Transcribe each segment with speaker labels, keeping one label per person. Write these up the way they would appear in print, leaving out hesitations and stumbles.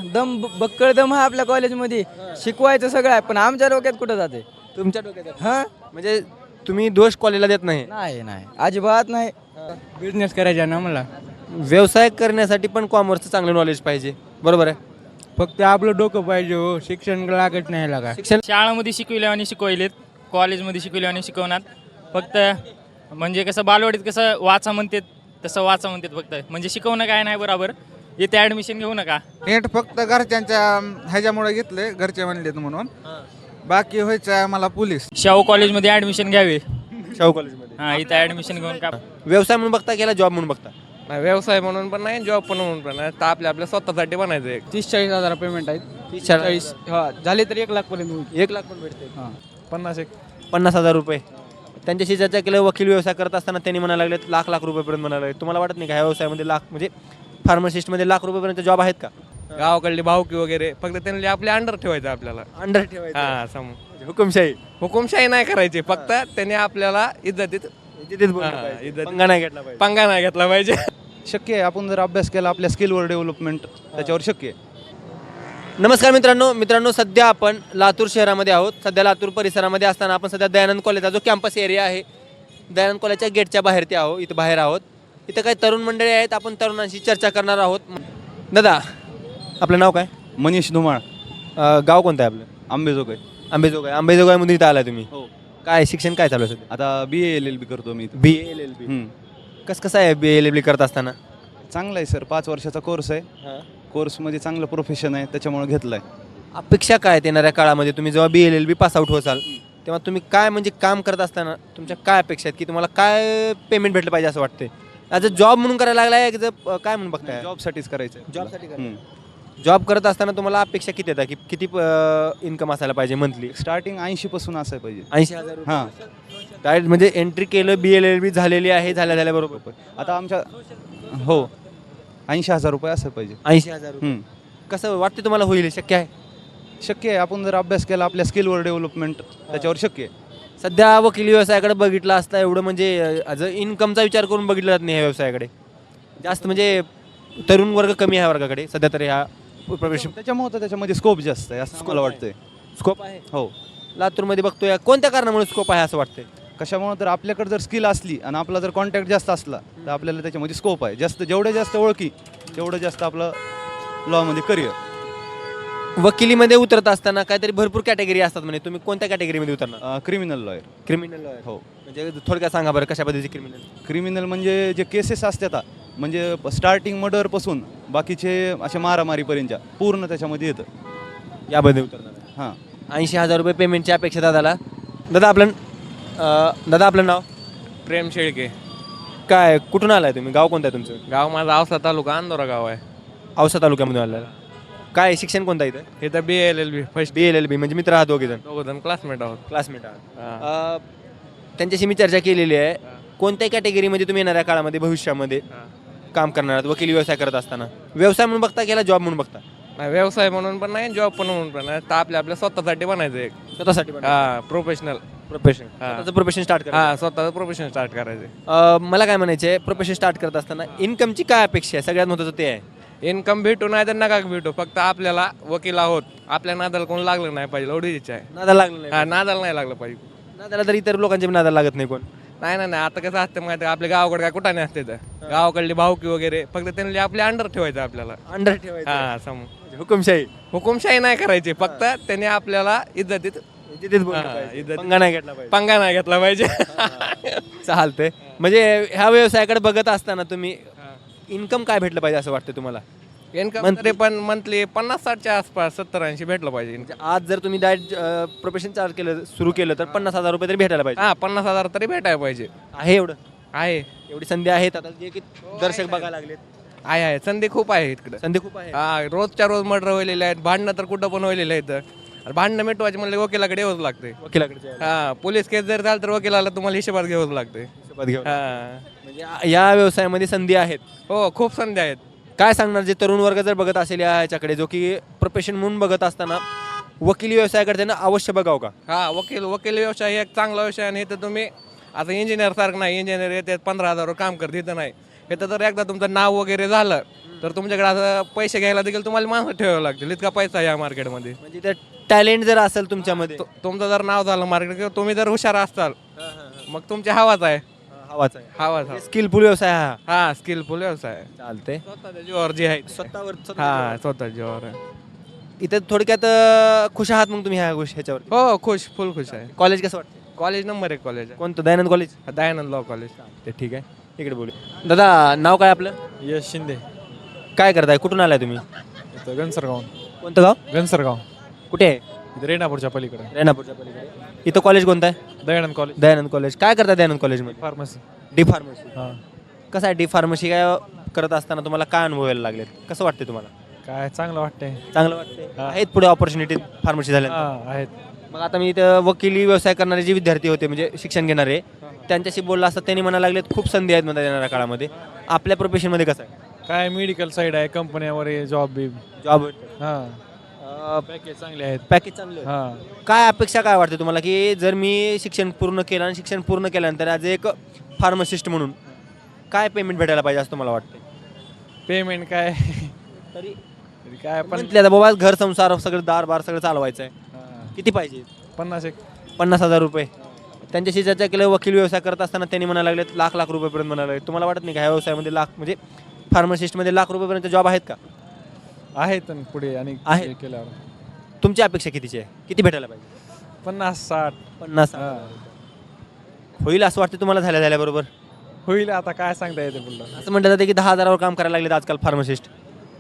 Speaker 1: बक्कळ दम आहे आपल्या कॉलेजमध्ये. शिकवायचं सगळं आहे, पण आमच्या डोक्यात कुठं जाते.
Speaker 2: तुमच्या डोक्यात
Speaker 1: हा
Speaker 2: म्हणजे तुम्ही दोष कॉलेजला देत नाही.
Speaker 1: नाही नाही अजिबात नाही.
Speaker 3: बिझनेस करायचा ना मला.
Speaker 2: व्यवसाय करण्यासाठी पण कॉमर्सचं चांगलं नॉलेज पाहिजे, बरोबर आहे.
Speaker 3: फक्त आपलं डोकं पाहिजे हो, शिक्षण लागत नाही लागा.
Speaker 2: शिक्षण
Speaker 4: शाळामध्ये शिकविले आणि शिकवलेत, कॉलेजमध्ये शिकविले आणि शिकवणार. फक्त म्हणजे कसं बालवाडीत कसं वाचा म्हणतात तसं वाचा म्हणतात फक्त, म्हणजे शिकवणं काय नाही बरोबर. इथे ॲडमिशन घेऊ नका.
Speaker 5: नेट फक्त घरच्यांच्या ह्याच्यामुळे घेतले, घरचे म्हणलेत म्हणून. बाकी व्हायचं आहे मला पोलीस.
Speaker 4: शाहू कॉलेजमध्ये ॲडमिशन घ्यावे.
Speaker 2: शाहू कॉलेजमध्ये
Speaker 4: हां, इथं ॲडमिशन घेऊन का
Speaker 2: व्यवसाय म्हणून बघता गेला जॉब म्हणून बघता.
Speaker 6: नाही, व्यवसाय म्हणून पण नाही, जॉब पण म्हणून पण नाही, तर आपल्या स्वतःसाठी बनायचं एक.
Speaker 3: 30-40 हजार पेमेंट आहेत.
Speaker 2: 30-40
Speaker 3: हा झाले तर 1 लाख पर्यंत होईल.
Speaker 2: 1 लाख पण भेटते.
Speaker 6: 50,000
Speaker 2: रुपये. त्यांच्याशी चर्चा केलं. वकील व्यवसाय करत असताना त्यांनी म्हणायला लागले लाख रुपयेपर्यंत म्हणायला लागले. तुम्हाला वाटत नाही का ह्या व्यवसायामध्ये लाख म्हणजे फार्मासिस्टमध्ये लाख रुपयेपर्यंत जॉब आहेत का?
Speaker 6: गावाकडली भावकी वगैरे फक्त त्यांनी आपल्या अंडर ठेवायचं आपल्याला.
Speaker 2: अंडर ठेवायचं
Speaker 6: हा
Speaker 2: हुकुमशाही
Speaker 6: हुकुमशाही नाही करायची, फक्त त्यांनी आपल्याला इज्जतीत
Speaker 2: पंगा नाही घेतला पाहिजे.
Speaker 6: पंगा नाही घेतला पाहिजे.
Speaker 5: शक्य आहे, आपण जर अभ्यास केला आपल्या स्किलवर डेव्हलपमेंट त्याच्यावर शक्य आहे.
Speaker 2: नमस्कार मित्रांनो, सध्या आपण लातूर शहरामध्ये आहोत. सध्या लातूर परिसरामध्ये असताना आपण सध्या दयानंद कॉलेजचा जो कॅम्पस एरिया आहे, दयानंद कॉलेजच्या गेटच्या बाहेर इथं बाहेर आहोत. इथं काही तरुण मंडळी आहेत. आपण तरुणांशी चर्चा करणार आहोत. दादा, आपलं नाव काय?
Speaker 5: मनीष धुमाळ,
Speaker 2: गाव कोणतं आहे आपलं?
Speaker 5: आंबेजोगाई.
Speaker 2: आंबेजोगाईमधून इथं आलाय तुम्ही?
Speaker 5: हो.
Speaker 2: काय शिक्षण काय चालू आहे सध्या?
Speaker 5: आता BA LLB करतो मी.
Speaker 2: BA कसं आहे BA LLB करत असताना?
Speaker 5: चांगला आहे सर, 5 वर्षाचा कोर्स आहे. कोर्समध्ये चांगलं प्रोफेशन आहे, त्याच्यामुळे घेतलं आहे.
Speaker 2: अपेक्षा काय आहेत येणाऱ्या काळामध्ये? तुम्ही जेव्हा BA LLB पास आउट होसाल तेव्हा तुम्ही काय म्हणजे काम करत असताना तुमच्या काय अपेक्षा आहेत की तुम्हाला काय पेमेंट भेटलं पाहिजे असं वाटतंय? ॲज अ जॉब म्हणून करायला लागलाय काय म्हणून बघताय?
Speaker 5: जॉबसाठीच करायचं आहे.
Speaker 2: जॉबसाठी जॉब करत असताना तुम्हाला अपेक्षा किती येतात की किती इन्कम असायला पाहिजे मंथली?
Speaker 5: स्टार्टिंग 80 पासून असायला पाहिजे.
Speaker 2: 80,000.
Speaker 5: हां,
Speaker 2: डायरेक्ट म्हणजे एंट्री केलं BA LLB झालेली आहे, झाल्या बरोबर.
Speaker 5: आता आमच्या 80,000 रुपये असायला पाहिजे.
Speaker 2: 80,000. कसं वाटतं तुम्हाला होईल? शक्य आहे?
Speaker 5: शक्य आहे, आपण जर अभ्यास केला आपल्या स्किलवर डेव्हलपमेंट त्याच्यावर शक्य आहे.
Speaker 2: सध्या वकिली व्यवसायाकडे बघितला असता एवढं म्हणजे ॲज अ इन्कमचा विचार करून बघितला जात नाही ह्या व्यवसायाकडे. जास्त म्हणजे तरुण वर्ग कमी आहे वर्गाकडे सध्या तरी ह्या प्रोफेशन.
Speaker 5: त्याच्यामुळे तर त्याच्यामध्ये स्कोप जास्त आहे असं मला वाटतंय.
Speaker 2: स्कोप आहे.
Speaker 5: हो.
Speaker 2: लातूरमध्ये बघतोय कोणत्या कारणामुळे स्कोप आहे असं वाटतंय?
Speaker 5: कशामुळे तर आपल्याकडे जर स्किल असली आणि आपला जर कॉन्टॅक्ट जास्त असला तर आपल्याला त्याच्यामध्ये स्कोप आहे जास्त. जेवढे जास्त ओळखी तेवढं जास्त आपलं लॉमध्ये करिअर.
Speaker 2: वकिलीमध्ये उतरत असताना काहीतरी भरपूर कॅटेगरी असतात म्हणजे तुम्ही कोणत्या कॅटेगरीमध्ये उतरणार?
Speaker 5: Criminal lawyer.
Speaker 2: Criminal lawyer.
Speaker 5: हो.
Speaker 2: म्हणजे थोडक्यात सांगा बरं कशा पद्धतीचे क्रिमिनल?
Speaker 5: क्रिमिनल म्हणजे जे केसेस असतात म्हणजे स्टार्टिंग मर्डरपासून बाकीचे असे मारामारीपर्यंतच्या पूर्ण त्याच्यामध्ये येतं.
Speaker 2: यामध्ये उतरणार.
Speaker 5: हां.
Speaker 2: 80,000 रुपये पेमेंटची अपेक्षा दादाला. दादा आपलं नाव?
Speaker 6: प्रेम शेळके.
Speaker 2: काय कुठून आलाय तुम्ही? गाव कोणतं आहे तुमचं?
Speaker 6: गाव माझा औसा तालुका अंदोरा गाव आहे.
Speaker 2: औसा तालुक्यामधून आलेला. काय शिक्षण कोणतं आहे इथं?
Speaker 6: इथं BA LLB first.
Speaker 2: BA LLB म्हणजे मित्र आहात दोघे जण?
Speaker 6: दोघं क्लासमेट आहोत.
Speaker 2: क्लासमेट आहात. त्यांच्याशी मी चर्चा केलेली आहे. कोणत्या कॅटेगरीमध्ये तुम्ही येणाऱ्या काळामध्ये भविष्यामध्ये काम करणार आहात वकिली व्यवसाय करत असताना? व्यवसाय म्हणून बघता गेला जॉब म्हणून बघता?
Speaker 6: नाही, व्यवसाय म्हणून पण नाही, जॉब पण म्हणून पण नाही, तर आपल्या स्वतःसाठी बनायचं एक.
Speaker 2: स्वतःसाठी
Speaker 6: प्रोफेशनल.
Speaker 2: प्रोफेशन स्टार्ट करा.
Speaker 6: स्वतःचं प्रोफेशन स्टार्ट करायचं.
Speaker 2: मला काय म्हणायचं आहे, प्रोफेशन स्टार्ट करत असताना इन्कमची काय अपेक्षा आहे? सगळ्यात महत्त्वाचं ते आहे.
Speaker 6: इन्कम भेटू नाही तर नका भेटू, फक्त आपल्याला वकील आहोत, आपल्या नादाला कोण लागलं नाही पाहिजे एवढी इच्छा आहे.
Speaker 2: नादाला लागलं नाही?
Speaker 6: नादाला नाही लागलं पाहिजे.
Speaker 2: नादाला तर इतर लोकांच्या नादाला लागत नाही कोण?
Speaker 6: नाही, आता कसं असतं माहिती आहे, आपल्या गावाकडे काय कुठं नाही असते तर गावाकडली भावकी वगैरे फक्त त्यांनी आपल्या अंडर ठेवायचं आपल्याला.
Speaker 2: अंडर ठेवायचं.
Speaker 6: समज
Speaker 2: हुकुमशाही
Speaker 6: नाही करायची, फक्त त्यांनी आपल्याला इज्जतीत
Speaker 2: पंगा नाही घेतला पाहिजे.
Speaker 6: पंगा नाही घेतला पाहिजे.
Speaker 2: चालतंय. म्हणजे ह्या व्यवसायाकडे बघत असताना तुम्ही इन्कम काय भेटलं पाहिजे असं वाटतं तुम्हाला?
Speaker 6: इन्कम तरी पण मंथली 50-60च्या आसपास 70-80 भेटलं पाहिजे.
Speaker 2: म्हणजे आज जर तुम्ही डायरेक्ट प्रोफेशन चार्ज केलं सुरू केलं तर 50,000 रुपये तरी भेटायला पाहिजे.
Speaker 6: 50,000 तरी भेटायला पाहिजे.
Speaker 2: आहे एवढं?
Speaker 6: आहे,
Speaker 2: एवढी संधी आहेत आता जे की दर्शक बघायला लागलेत.
Speaker 6: आहे संधी खूप आहे इकडे.
Speaker 2: संधी खूप आहे.
Speaker 6: रोजच्या रोज मर्डर व्हायलेले आहेत, भांडणं तर कुठं पण व्हायलेले आहेत. भांडणं मिटवायचे म्हणले वकिलाकडे येऊच लागते.
Speaker 2: वकिलाकडे
Speaker 6: पोलीस केस जर झालं तर वकिलाला तुम्हाला हिशोबात घ्यावंच लागते.
Speaker 2: म्हणजे या व्यवसायामध्ये संधी आहेत.
Speaker 6: हो, खूप संधी आहेत.
Speaker 2: काय सांगणार जे तरुण वर्ग जर बघत असेल याच्याकडे जो की प्रोफेशन म्हणून बघत असताना वकिली व्यवसायाकडे त्यांना अवश्य बघावं का?
Speaker 6: वकील व्यवसाय हे एक चांगला व्यवसाय आणि इथं तुम्ही आता इंजिनियर सारखं नाही, इंजिनियर येते 15,000 काम करते, इथं नाही. इथं जर एकदा तुमचं नाव वगैरे झालं तर तुमच्याकडे असं पैसे घ्यायला देखील तुम्हाला माणसं ठेवावं लागतील, इतका पैसा आहे या मार्केटमध्ये.
Speaker 2: म्हणजे त्या टॅलेंट जर असेल तुमच्यामध्ये
Speaker 6: तुमचं जर नाव झालं मार्केट किंवा तुम्ही जर हुशार असाल मग तुमची हवाच आहे.
Speaker 2: हवाच आहे
Speaker 6: हवाच
Speaker 2: स्किलफुल व्यवसाय हा
Speaker 6: हा स्किलफुल व्यवसाय
Speaker 2: चालते
Speaker 6: स्वतःच्या जीवावर जे आहे
Speaker 2: स्वतःवर
Speaker 6: हा स्वतःच्या जीवावर आहे.
Speaker 2: इथं थोडक्यात खुश आहात मग तुम्ही ह्या गोष्टी ह्याच्यावर
Speaker 6: हो खुश फुल खुश आहे.
Speaker 2: कॉलेज कसं वाटतं
Speaker 6: कॉलेज नंबर 1 कॉलेज आहे,
Speaker 2: कोणतं Dayanand college
Speaker 6: Dayanand law college.
Speaker 2: ते ठीक आहे इकडे बोलू दादा नाव काय आपलं
Speaker 3: यश शिंदे
Speaker 2: काय करताय कुठून आलाय तुम्ही
Speaker 3: इथं घनसरगाव
Speaker 2: कोणतं गाव
Speaker 3: घनसरगाव
Speaker 2: कुठे आहे
Speaker 3: इथं रेणापूरच्या पलीकडे
Speaker 2: रेणापूरच्या पलीकडे इथं कॉलेज कोणतं आहे
Speaker 3: दयानंद कॉलेज
Speaker 2: दयानंद कॉलेज काय करता दयानंद कॉलेजमध्ये
Speaker 3: फार्मसी.
Speaker 2: डी फार्मसी
Speaker 3: हां
Speaker 2: कसं आहे डी फार्मसी काय करत असताना तुम्हाला काय अनुभवायला लागलेत कसं वाटते तुम्हाला
Speaker 3: काय चांगलं वाटतंय.
Speaker 2: चांगलं वाटते
Speaker 3: हा.
Speaker 2: आहेत पुढे ऑपॉर्च्युनिटी फार्मसी झाल्या
Speaker 3: हां आहेत.
Speaker 2: मग आता मी इथं वकिली व्यवसाय करणारे जे विद्यार्थी होते म्हणजे शिक्षण घेणारे त्यांच्याशी बोलला असता त्यांनी म्हणायला लागलेत खूप संधी आहेत म्हणतात येणाऱ्या काळामध्ये आपल्या प्रोफेशनमध्ये कसं आहे
Speaker 3: काय मेडिकल साईड आहे कंपन्यावर जॉब बी.
Speaker 2: जॉब
Speaker 3: हां पॅकेज चांगले आहेत.
Speaker 2: पॅकेज चांगलं आहे.
Speaker 3: हां
Speaker 2: काय अपेक्षा काय वाटते तुम्हाला की जर मी शिक्षण पूर्ण केलं आणि शिक्षण पूर्ण केल्यानंतर ॲज एक फार्मासिस्ट म्हणून काय पेमेंट भेटायला पाहिजे असं तुम्हाला वाटतं
Speaker 3: पेमेंट काय
Speaker 2: तरी
Speaker 3: तरी काय पण
Speaker 2: म्हटलं आता बाबा घर संसार सगळं दार सगळं चालवायचं आहे
Speaker 3: हां,
Speaker 2: किती पाहिजे
Speaker 3: 50
Speaker 2: 50,000 रुपये त्यांच्याशी चर्चा केलं वकील व्यवसाय करत असताना त्यांनी म्हणायला लागलेत लाख रुपयेपर्यंत म्हणायला लागले तुम्हाला वाटत नाही का ह्या व्यवसायामध्ये लाख म्हणजे फार्मासिस्टमध्ये लाख रुपयेपर्यंत जॉब आहेत का
Speaker 3: आहेत आणि पुढे आणि
Speaker 2: आहे.
Speaker 3: हे केल्यावर
Speaker 2: तुमची अपेक्षा कितीची आहे किती भेटायला पाहिजे
Speaker 3: 50-60.
Speaker 2: 50
Speaker 3: हां
Speaker 2: होईल असं वाटतं तुम्हाला झाल्याबरोबर
Speaker 3: होईल आता काय सांगता येते पुढलं.
Speaker 2: असं म्हटलं जातं की 10,000वर काम करायला लागलेत आजकाल फार्मासिस्ट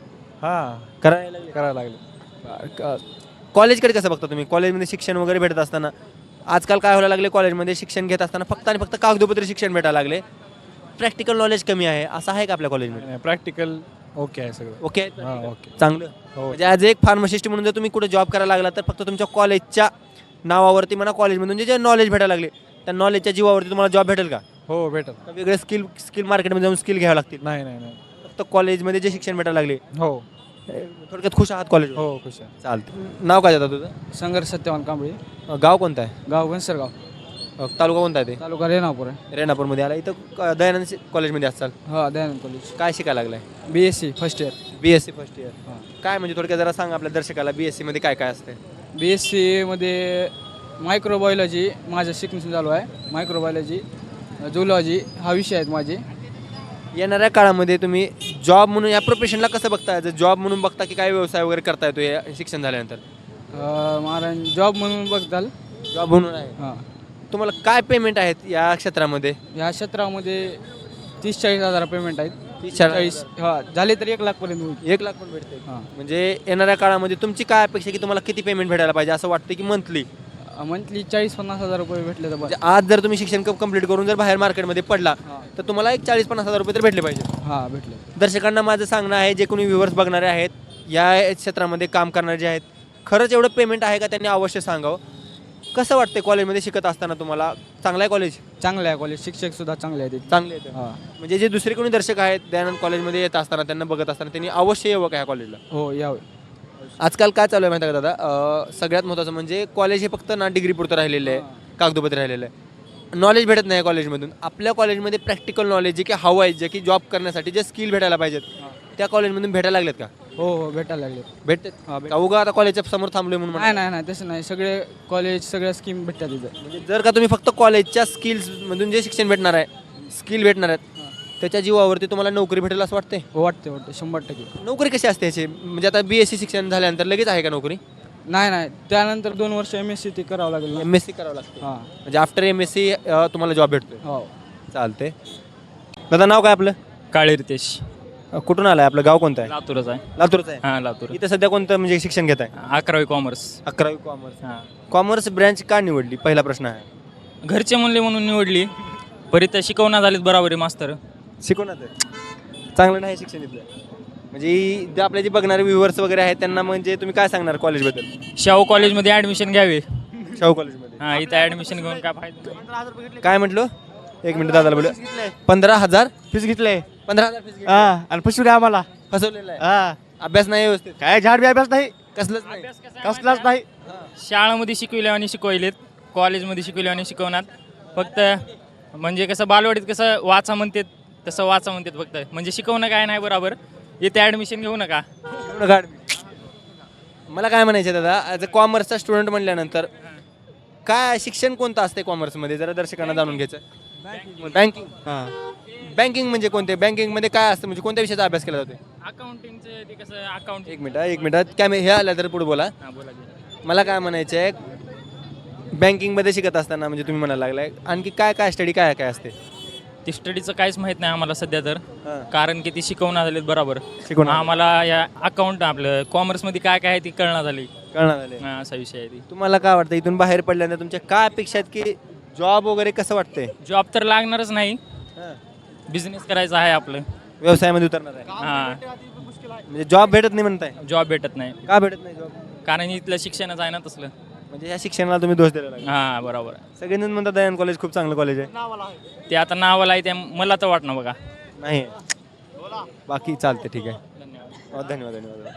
Speaker 3: हां
Speaker 2: करायला लागले
Speaker 3: करायला लागले.
Speaker 2: कॉलेजकडे कसं बघता तुम्ही कॉलेजमध्ये शिक्षण वगैरे भेटत असताना आजकाल काय व्हायला लागले कॉलेजमध्ये शिक्षण घेत असताना फक्त आणि फक्त कागदोपत्री शिक्षण भेटायला लागले प्रॅक्टिकल नॉलेज कमी आहे असं आहे का आपल्या कॉलेजमध्ये
Speaker 3: प्रॅक्टिकल ओके आहे सगळं.
Speaker 2: ओके
Speaker 3: हां ओके.
Speaker 2: चांगलं
Speaker 3: हो
Speaker 2: म्हणजे ॲज एक फार्मासिस्ट म्हणून जर तुम्ही कुठे जॉब करायला लागला तर फक्त तुमच्या कॉलेजच्या नावावरती म्हणा कॉलेजमधून जे नॉलेज भेटायला लागले त्या नॉलेजच्या जीवावरती तुम्हाला जॉब भेटेल का
Speaker 3: हो भेटल.
Speaker 2: का वेगळे स्किल मार्केटमध्ये जाऊन स्किल घ्यावं लागतील
Speaker 3: नाही नाही नाही.
Speaker 2: फक्त कॉलेजमध्ये जे शिक्षण भेटायला लागले
Speaker 3: हो
Speaker 2: थोडक्यात खुश आहात कॉलेज
Speaker 3: हो खुश आहे.
Speaker 2: चालतं नाव काय जातं तुझं
Speaker 1: संघर्ष सत्यवान कांबळे
Speaker 2: गाव कोणतं आहे
Speaker 1: गाव घनसरगाव
Speaker 2: तालुका कोणता आहे ते
Speaker 1: तालुका रेणापूर आहे.
Speaker 2: रेणापूरमध्ये आला इथं दयानंद कॉलेजमध्ये असाल
Speaker 1: हा दयानंद कॉलेज
Speaker 2: काय शिकायला लागलाय
Speaker 1: BSc first year.
Speaker 2: BSc first year
Speaker 1: हां
Speaker 2: काय म्हणजे थोडक्यात जरा सांग आपल्या दर्शकाला BSc मध्ये काय काय असते
Speaker 1: BSc मध्ये मायक्रोबायोलॉजी माझं शिक्षण चालू आहे. मायक्रोबायोलॉजी झुलॉजी हा विषय आहेत माझे.
Speaker 2: येणाऱ्या काळामध्ये तुम्ही जॉब म्हणून या प्रोफेशनला कसं बघता जर जॉब म्हणून बघता की काय व्यवसाय वगैरे करता येतो या शिक्षण झाल्यानंतर
Speaker 1: महाराज जॉब म्हणून बघताल.
Speaker 2: जॉब म्हणून आहे
Speaker 1: हां
Speaker 2: तुम्हाला काय पेमेंट आहेत या क्षेत्रामध्ये
Speaker 1: ह्या क्षेत्रामध्ये 30-40 हजार पेमेंट आहेत.
Speaker 2: 30-40
Speaker 1: हा झाले तर 1 लाखपर्यंत होईल.
Speaker 2: 1 लाख पण भेटते
Speaker 1: हां
Speaker 2: म्हणजे येणाऱ्या काळामध्ये तुमची काय अपेक्षा की तुम्हाला किती पेमेंट भेटायला पाहिजे असं वाटतं की मंथली
Speaker 1: मंथली 40-50 हजार रुपये भेटले तर बस.
Speaker 2: म्हणजे आज जर तुम्ही शिक्षण कंप्लीट करून जर बाहेर मार्केटमध्ये पडला
Speaker 1: हां
Speaker 2: तर तुम्हाला एक 40-50 हजार रुपये तर भेटले पाहिजे
Speaker 1: हां भेटले.
Speaker 2: दर्शकांना माझं सांगणं आहे जे कोणी व्ह्युअर्स बघणारे आहेत या क्षेत्रामध्ये काम करणारे जे आहेत खरंच एवढं पेमेंट आहे का त्यांनी अवश्य सांगावं कसं वाटतं कॉलेजमध्ये शिकत असताना तुम्हाला चांगलं आहे कॉलेज
Speaker 1: चांगलं आहे कॉलेज. शिक्षक सुद्धा चांगले आहेत.
Speaker 2: चांगले आहेत
Speaker 1: हां
Speaker 2: म्हणजे जे दुसरे कोणी दर्शक आहेत दयानंद कॉलेजमध्ये येत असताना त्यांना बघत असताना त्यांनी अवश्य यावं का ह्या कॉलेजला
Speaker 1: हो यावे.
Speaker 2: आजकाल काय चालू आहे माहिती आहे का दादा सगळ्यात महत्त्वाचं म्हणजे कॉलेज हे फक्त ना डिग्री पुरतं राहिलेलं आहे कागदोपत्री राहिलेलं आहे नॉलेज भेटत नाही कॉलेजमधून आपल्या कॉलेजमध्ये प्रॅक्टिकल नॉलेज जे की हवं आहे जे की जॉब करण्यासाठी जे स्किल भेटायला पाहिजेत त्या कॉलेजमधून भेटायला लागलेत का
Speaker 1: हो हो भेटायला लागले.
Speaker 2: भेटतात का उगा आता कॉलेजच्या समोर थांबलोय म्हणून
Speaker 1: नाही नाही नाही तसं नाही. सगळे कॉलेज सगळ्या स्कीम भेटतात तिथं.
Speaker 2: म्हणजे जर का तुम्ही फक्त कॉलेजच्या स्किल्समधून जे शिक्षण भेटणार आहे स्किल भेटणार आहेत त्याच्या जीवावरती तुम्हाला नोकरी भेटेल असं वाटते
Speaker 1: हो वाटते 100%.
Speaker 2: नोकरी कशी असते याची म्हणजे आता BSc शिक्षण झाल्यानंतर लगेच आहे का नोकरी
Speaker 1: नाही नाही त्यानंतर 2 वर्ष MSc ते करावं लागेल ना.
Speaker 2: MSc करावं लागतं
Speaker 1: हां
Speaker 2: म्हणजे आफ्टर MSc तुम्हाला जॉब भेटतोय
Speaker 1: हो.
Speaker 2: चालते दादा नाव काय आपलं
Speaker 4: काळे रितेश
Speaker 2: कुठून आलाय आपलं गाव कोणतं आहे
Speaker 4: लातूरच आहे.
Speaker 2: लातूरचं आहे
Speaker 4: हां लातूर.
Speaker 2: इथं सध्या कोणतं म्हणजे शिक्षण घेत आहे
Speaker 4: 11वी कॉमर्स.
Speaker 2: 11वी कॉमर्स
Speaker 4: हां
Speaker 2: कॉमर्स ब्रँच का निवडली पहिला प्रश्न आहे
Speaker 4: घरचे म्हणले म्हणून निवडली परित शिकवणार झालीत बराबरी मास्तर.
Speaker 2: शिकवणार चांगलं नाही शिक्षण इथलं म्हणजे जे आपले जे बघणारे व्ह्युअर्स वगैरे आहेत त्यांना म्हणजे तुम्ही काय सांगणार कॉलेजबद्दल
Speaker 4: शाहू कॉलेजमध्ये ॲडमिशन घ्यावे.
Speaker 2: शाहू कॉलेजमध्ये
Speaker 4: हां इथं ॲडमिशन घेऊन काय फायदा.
Speaker 2: काय म्हटलो 1 मिनिट दादाला बोलू 15,000 फीस घेतलंय 15,000 फीस
Speaker 3: आणि फसवले आम्हाला.
Speaker 2: फसवलेलं आहे अभ्यास नाही व्यवस्थित
Speaker 3: काय झाड बी अभ्यास नाही
Speaker 2: कसलंच नाही
Speaker 3: कसलाच नाही.
Speaker 4: शाळामध्ये शिकविले आणि शिकवलेत कॉलेजमध्ये शिकविले आणि शिकवणार फक्त म्हणजे कसं बालवाडीत कसं वाचा म्हणतात तसं वाचा म्हणतात फक्त म्हणजे शिकवणं काय नाही बरोबर इथे ॲडमिशन घेऊ नका.
Speaker 2: मला काय म्हणायचं आहे दादा, ॲज अ कॉमर्सचा स्टुडंट म्हणल्यानंतर काय शिक्षण कोणतं असते कॉमर्समध्ये, जरा दर्शकांना जाणून घ्यायचं. बँकिंग. बँकिंग म्हणजे कोणते, बँकिंगमध्ये काय असतं, म्हणजे कोणत्या विषयाचा अभ्यास केला जातो?
Speaker 4: अकाउंटिंगचं ते कसं अकाउंट.
Speaker 2: एक मिनिट काय हे आलं तर पुढे बोला.
Speaker 4: हां बोला की.
Speaker 2: मला काय म्हणायचं आहे, बँकिंगमध्ये शिकत असताना म्हणजे तुम्ही म्हणायला लागलाय आणखी काय काय स्टडी काय काय असते?
Speaker 4: ते स्टडीचं काहीच माहीत नाही आम्हाला सध्या तर,
Speaker 2: हां.
Speaker 4: कारण की ती शिकवणार झालीत बरोबर.
Speaker 2: शिकवणार.
Speaker 4: आम्हाला या अकाउंट आपलं कॉमर्समध्ये काय काय आहे ती कळणार झाली.
Speaker 2: कळणार आले.
Speaker 4: हां, असा विषय आहे ती.
Speaker 2: तुम्हाला काय वाटतं इथून बाहेर पडल्यानंतर तुमच्या काय अपेक्षा आहेत की जॉब वगैरे कसं वाटतंय?
Speaker 4: जॉब तर लागणारच नाही, बिझनेस करायचा आहे आपलं.
Speaker 2: व्यवसायामध्ये उतरणार आहे
Speaker 4: हां,
Speaker 2: म्हणजे जॉब भेटत नाही म्हणताय?
Speaker 4: जॉब भेटत नाही
Speaker 2: का भेटत नाही जॉब?
Speaker 4: कारण इथलं शिक्षणच आहे ना तसलं.
Speaker 2: म्हणजे या शिक्षणाला तुम्ही दोष द्यायला लागला.
Speaker 4: हां बरोबर.
Speaker 2: सगळेजण म्हणतात दयानंद कॉलेज खूप चांगलं कॉलेज आहे.
Speaker 4: ते आता नावाला आहे ते मला तर वाटणं बघा.
Speaker 2: नाही बाकी चालते, ठीक आहे.
Speaker 4: धन्यवाद.
Speaker 2: धन्यवाद.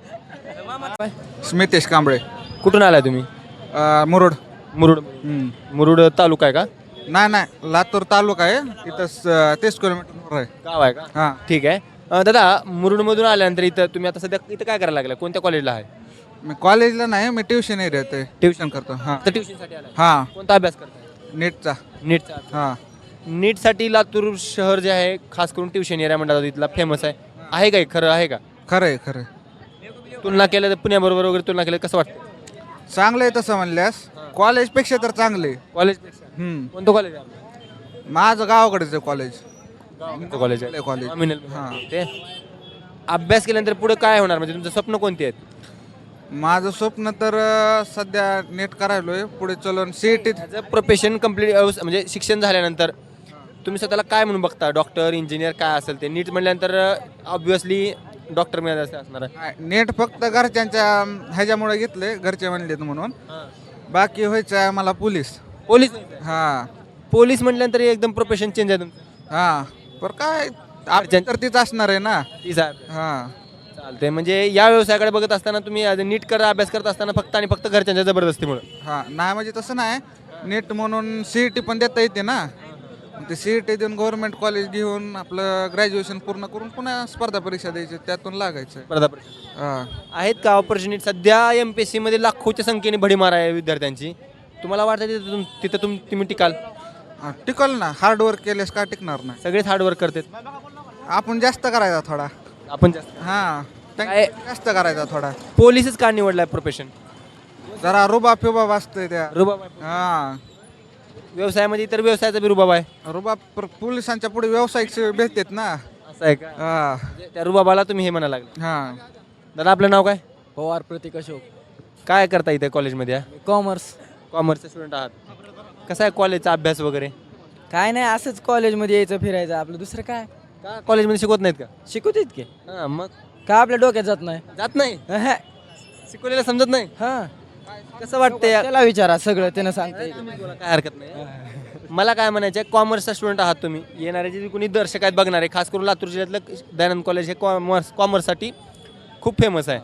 Speaker 7: स्मितेश कांबळे.
Speaker 2: कुठून आलाय तुम्ही?
Speaker 7: मुरुड.
Speaker 2: मुरुड. मुरुड तालुका आहे का?
Speaker 7: नाही लातूर तालुका आहे. इथं 30 किलोमीटर आहे.
Speaker 2: गाव आहे का?
Speaker 7: हां.
Speaker 2: ठीक आहे. दादा, मुरुडमधून आल्यानंतर इथं तुम्ही आता सध्या इथं काय करायला लागला, कोणत्या कॉलेजला आहे?
Speaker 7: मी कॉलेजला नाही, मी ट्युशन एरियात आहे. ट्युशन करतो. हां
Speaker 2: तर ट्युशनसाठी आला.
Speaker 7: हां.
Speaker 2: कोणता अभ्यास करताय?
Speaker 7: नीटचा.
Speaker 2: नीटचा.
Speaker 7: हां.
Speaker 2: नीटसाठी लातूर शहर जे आहे खास करून ट्युशन एरिया म्हणतात इथला फेमस आहे काय, खरं आहे का?
Speaker 7: खरं आहे खरं आहे.
Speaker 2: तुलना केलं तर पुण्याबरोबर वगैरे तुलना केलं कसं वाटतं?
Speaker 7: चांगलं आहे तसं म्हणल्यास. कॉलेजपेक्षा तर चांगले.
Speaker 2: कॉलेजपेक्षा कोणतं कॉलेज आहे?
Speaker 7: माझं गावाकडेच आहे कॉलेज.
Speaker 2: कॉलेज आहे
Speaker 7: कॉलेज. हां.
Speaker 2: ते अभ्यास केल्यानंतर पुढे काय होणार, म्हणजे तुमचं स्वप्न कोणते आहेत?
Speaker 7: माझं स्वप्न तर सध्या नीट करायलोय. पुढे चलून CET.
Speaker 2: As a profession complete म्हणजे शिक्षण झाल्यानंतर तुम्ही स्वतःला काय म्हणून बघता, डॉक्टर इंजिनियर काय असेल ते? नीट म्हटल्यानंतर ऑब्विसली डॉक्टर मिळायचं असणार आहे.
Speaker 7: नीट फक्त घरच्यांच्या ह्याच्यामुळे घेतले, घरचे म्हणलेत म्हणून. बाकी व्हायचं आहे मला पोलीस.
Speaker 2: पोलीस.
Speaker 7: हां.
Speaker 2: पोलीस म्हटल्यानंतर एकदम प्रोफेशन चेंज आहे तुमचं.
Speaker 7: हां. पर काय आपल्या तर तीच असणार आहे ना.
Speaker 2: ती साहेब
Speaker 7: हां.
Speaker 2: चालते. म्हणजे या व्यवसायाकडे बघत असताना तुम्ही ॲज अ नीट अभ्यास करत असताना फक्त आणि फक्त घरच्यांच्या जबरदस्तीमुळे?
Speaker 7: हां. नाही म्हणजे तसं नाही. नीट म्हणून CET पण देता येते ना. ते CET देऊन गव्हर्नमेंट कॉलेज घेऊन आपलं ग्रॅज्युएशन पूर्ण करून पुन्हा स्पर्धा परीक्षा द्यायची, त्यातून लागायचं.
Speaker 2: स्पर्धा परीक्षा
Speaker 7: हां.
Speaker 2: आहेत का ऑपॉर्च्युनिटी? सध्या MPSC मध्ये लाखोच्या संख्येने भडीमार आहे विद्यार्थ्यांची. तुम्हाला वाटतं तिथं तुम्ही टिकाल?
Speaker 7: टिकल ना. हार्डवर्क केल्यास का टिकणार नाही.
Speaker 2: सगळेच हार्डवर्क करतात.
Speaker 7: आपण जास्त करायचा थोडा.
Speaker 2: आपण जास्त.
Speaker 7: हां.
Speaker 2: काय?
Speaker 7: जास्त करायचा थोडा.
Speaker 2: पोलीसच का निवडलाय प्रोफेशन?
Speaker 7: जरा रुबाब फिबाब असतंय त्या.
Speaker 2: रुबाब.
Speaker 7: हां.
Speaker 2: व्यवसायामध्ये इतर व्यवसायाचा बी रुबाब आहे.
Speaker 7: रुबाब पोलिसांच्या पुढे व्यावसायिक सेवा भेटतात ना.
Speaker 2: असं आहे का?
Speaker 7: हां.
Speaker 2: त्या रुबाबाला तुम्ही हे म्हणायला लागले.
Speaker 7: हां.
Speaker 2: दादा, आपलं नाव काय?
Speaker 1: पवार प्रतीक अशोक.
Speaker 2: काय करता इथे कॉलेजमध्ये?
Speaker 1: कॉमर्स.
Speaker 2: कॉमर्सचे स्टुडंट आहात. कसा आहे कॉलेजचा अभ्यास वगैरे?
Speaker 1: काय नाही, असंच कॉलेजमध्ये यायचं फिरायचं आपलं, दुसरं काय.
Speaker 2: का कॉलेजमध्ये शिकवत नाहीत का?
Speaker 1: शिकवतात की.
Speaker 2: हां, मग
Speaker 1: का आपल्या डोक्यात जात नाही.
Speaker 2: जात नाही, शिकवलेलं समजत नाही.
Speaker 1: हां.
Speaker 2: कसं वाटतंय?
Speaker 1: त्याला विचारा, सगळं त्यानं सांगते.
Speaker 2: काय हरकत नाही. मला काय म्हणायचं आहे, कॉमर्सचा स्टुडंट आहात तुम्ही. येणारे जे कोणी दर्शक आहेत, बघणारे, खास करून लातूर जिल्ह्यातलं दयानंद कॉलेज हे कॉमर्ससाठी खूप फेमस आहे.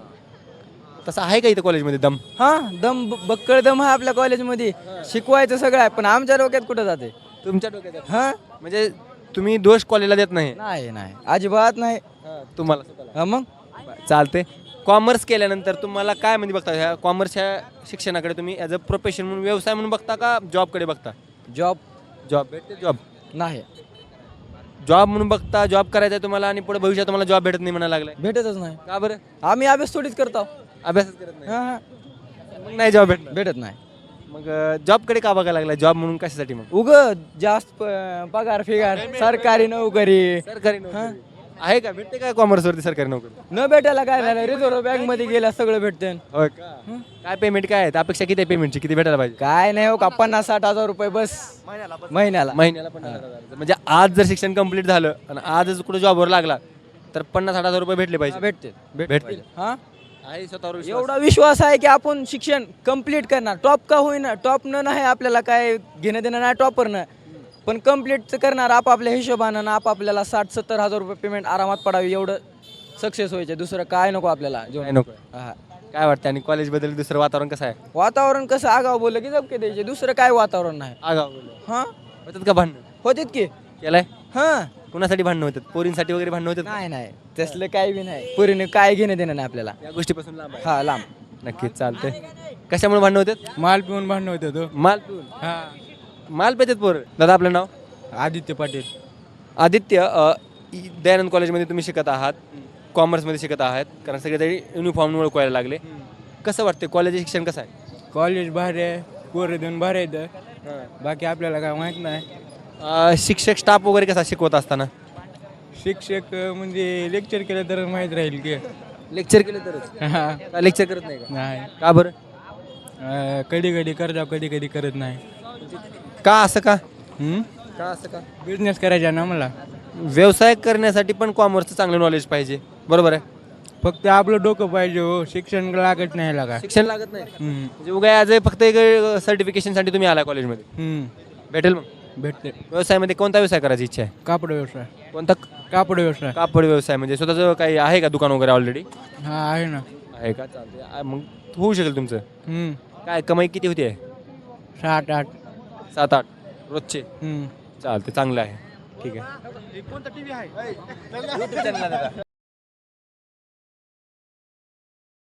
Speaker 2: तसं आहे का इथं कॉलेजमध्ये दम?
Speaker 1: हां, बक्कळ दम आहे आपल्या कॉलेजमध्ये. शिकवायचं सगळं आहे, पण आमच्या डोक्यात कुठं जाते.
Speaker 2: तुमच्या डोक्यात?
Speaker 1: हां.
Speaker 2: म्हणजे तुम्ही दोष कॉलेजला देत नाही?
Speaker 1: नाही अजिबात नाही.
Speaker 2: तुम्हाला
Speaker 1: हां, मग
Speaker 2: चालते. कॉमर्स केल्यानंतर तुम्हाला काय म्हणजे बघता, ह्या कॉमर्सच्या शिक्षणाकडे तुम्ही ॲज अ प्रोफेशन म्हणून, व्यवसाय म्हणून बघता का जॉबकडे बघता?
Speaker 1: जॉब
Speaker 2: भेटते. जॉब
Speaker 1: नाही.
Speaker 2: जॉब म्हणून बघता, जॉब करायचा आहे तुम्हाला आणि पुढे भविष्यात तुम्हाला जॉब भेटत नाही म्हणायला लागलाय.
Speaker 1: भेटतच नाही.
Speaker 2: का बरं?
Speaker 1: आम्ही अभ्यास थोडीच करतो.
Speaker 2: अभ्यासच करत नाही.
Speaker 1: हां.
Speaker 2: मग नाही जॉब भेटणार.
Speaker 1: भेटत नाही.
Speaker 2: मग जॉबकडे का बघायला लागला? जॉब म्हणून कशासाठी? मग
Speaker 1: जास्त पगार फिगार, सरकारी नोकरी.
Speaker 2: सरकारी नोकरी आहे का? भेटते का कॉमर्सवरती सरकारी नोकरी?
Speaker 1: न भेटायला काय झालं, रिझर्व्ह बँक मध्ये गेल्या सगळं भेटते.
Speaker 2: होय का? काय पेमेंट काय आहे? अपेक्षा किती आहे पेमेंटची? किती भेटायला पाहिजे?
Speaker 1: काय नाही हो का, 50-60 हजार रुपये बस महिन्याला.
Speaker 2: महिन्याला 50,000. म्हणजे आज जर शिक्षण कंप्लीट झालं आणि आजच कुठे जॉबवर लागला तर 50-60 हजार रुपये भेटले पाहिजे. भेटतील.
Speaker 1: हा,
Speaker 2: आहे स्वतःवर विश्वास?
Speaker 1: एवढा विश्वास आहे की आपण शिक्षण कंप्लीट करणार. टॉप का होईना, टॉप न नाही आपल्याला काय घेणं देणं नाही टॉपर न, पण कंप्लीट करणार आपापल्या हिशोबानं. आपापल्याला 60-70 हजार रुपये पेमेंट आरामात पडावी, एवढं सक्सेस व्हायचे. दुसरं काय नको आपल्याला.
Speaker 2: काय नको?
Speaker 1: हा.
Speaker 2: काय वाटतं? आणि कॉलेजबद्दल दुसरं वातावरण कसं आहे?
Speaker 1: वातावरण कसं, आगाव बोललं की जपके द्यायचे, दुसरं काय वातावरण नाही.
Speaker 2: आगाव
Speaker 1: हा,
Speaker 2: होतात का भांडण?
Speaker 1: होतेत की.
Speaker 2: केलाय?
Speaker 1: हा,
Speaker 2: कुणासाठी भांडणं होतात? पोरींसाठी वगैरे भांडणं होतात?
Speaker 1: नाही नाही तसलं काही बी नाही पुरीने काय घेणं देणं नाही आपल्याला.
Speaker 2: या गोष्टीपासून लांब आहे.
Speaker 1: हा लांब.
Speaker 2: नक्कीच चालतंय. कशामुळे भांडणं होतात?
Speaker 3: माल पिऊन भांडण होतं तो.
Speaker 2: माल पिऊन.
Speaker 3: हा.
Speaker 2: माल पेतात पोर. दादा आपलं नाव?
Speaker 3: आदित्य पाटील.
Speaker 2: आदित्य, दयानंद कॉलेजमध्ये तुम्ही शिकत आहात, कॉमर्समध्ये शिकत आहात, कारण सगळे युनिफॉर्म ओळखायला लागले. कसं वाटतं कॉलेज शिक्षण कसं आहे?
Speaker 3: कॉलेज भारी आहे, पोरं देऊन भारी येतं. बाकी आपल्याला काय माहीत नाही.
Speaker 2: शिक्षक स्टाफ वगैरे कसा शिकवत असताना?
Speaker 3: शिक्षक म्हणजे लेक्चर केलं तर माहीत राहील की.
Speaker 2: लेक्चर केलं तरच?
Speaker 3: हा.
Speaker 2: लेक्चर करत नाही का?
Speaker 3: नाही.
Speaker 2: का बरं?
Speaker 3: कधी कधी करता कधी कधी करत नाही.
Speaker 2: का असं का? का असं का?
Speaker 3: बिझनेस करायचा ना मला.
Speaker 2: व्यवसाय करण्यासाठी पण कॉमर्सचं चांगलं नॉलेज पाहिजे, बरोबर आहे?
Speaker 3: फक्त आपलं डोकं पाहिजे हो, शिक्षण लागत नाही लागा.
Speaker 2: शिक्षण लागत नाही म्हणजे उगा ॲज फक्त एक सर्टिफिकेशनसाठी तुम्ही आला कॉलेजमध्ये. भेटेल मग?
Speaker 3: भेटते.
Speaker 2: व्यवसायामध्ये कोणता व्यवसाय करायची इच्छा आहे?
Speaker 3: कापड व्यवसाय.
Speaker 2: कोणता?
Speaker 3: कापड व्यवसाय.
Speaker 2: कापड व्यवसाय म्हणजे स्वतःचं काही आहे का दुकान वगैरे ऑलरेडी?
Speaker 3: हा आहे ना.
Speaker 2: आहे का? चालते. मग होऊ शकेल तुमचं. काय कमाई किती होती आहे?
Speaker 3: 7-8.
Speaker 2: 7-8 रोजचे. चालते, चांगलं आहे. ठीक आहे.